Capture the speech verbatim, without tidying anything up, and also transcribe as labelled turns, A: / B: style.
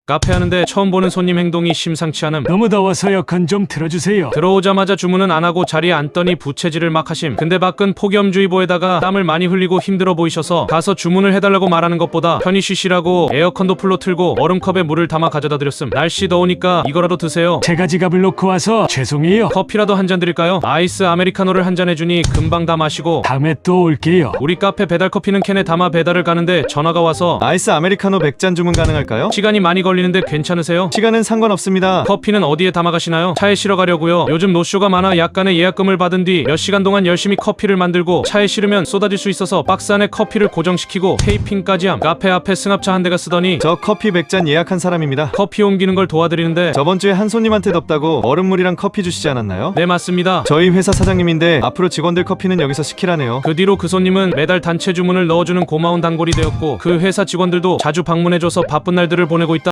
A: 카페 하는데 처음 보는 손님 행동이 심상치 않음.
B: 너무 더워서 에어컨 좀 틀어주세요.
A: 들어오자마자 주문은 안 하고 자리에 앉더니 부채질을 막 하심. 근데 밖은 폭염주의보에다가 땀을 많이 흘리고 힘들어 보이셔서 가서 주문을 해달라고 말하는 것보다 편히 쉬시라고 에어컨도 풀로 틀고 얼음컵에 물을 담아 가져다 드렸음. 날씨 더우니까 이거라도 드세요.
B: 제가 지갑을 놓고 와서 죄송해요.
A: 커피라도 한 잔 드릴까요? 아이스 아메리카노를 한 잔 해주니 금방 다 마시고
B: 다음에 또 올게요.
A: 우리 카페 배달커피는 캔에 담아 배달을 가는데 전화가 와서
C: 아이스 아메리카노 백 잔 주문 가능할까요?
A: 시간이 많이 걸리는데 괜찮으세요?
C: 시간은 상관없습니다.
A: 커피는 어디에 담아 가시나요? 차에 실어 가려고요. 요즘 노쇼가 많아 약간의 예약금을 받은 뒤 몇 시간 동안 열심히 커피를 만들고 차에 실으면 쏟아질 수 있어서 박스 안에 커피를 고정시키고 테이핑까지 함. 카페 앞에 승합차 한 대가 쓰더니
C: 저 커피 백 잔 예약한 사람입니다.
A: 커피 옮기는 걸 도와드리는데
C: 저번주에 한 손님한테 덥다고 얼음물이랑 커피 주시지 않았나요?
A: 네 맞습니다.
C: 저희 회사 사장님인데 앞으로 직원들 커피는 여기서 시키라네요.
A: 그 뒤로 그 손님은 매달 단체 주문을 넣어주는 고마운 단골이 되었고 그 회사 직원들도 자주 방문해줘서 바쁜 날들을 보내고 있다.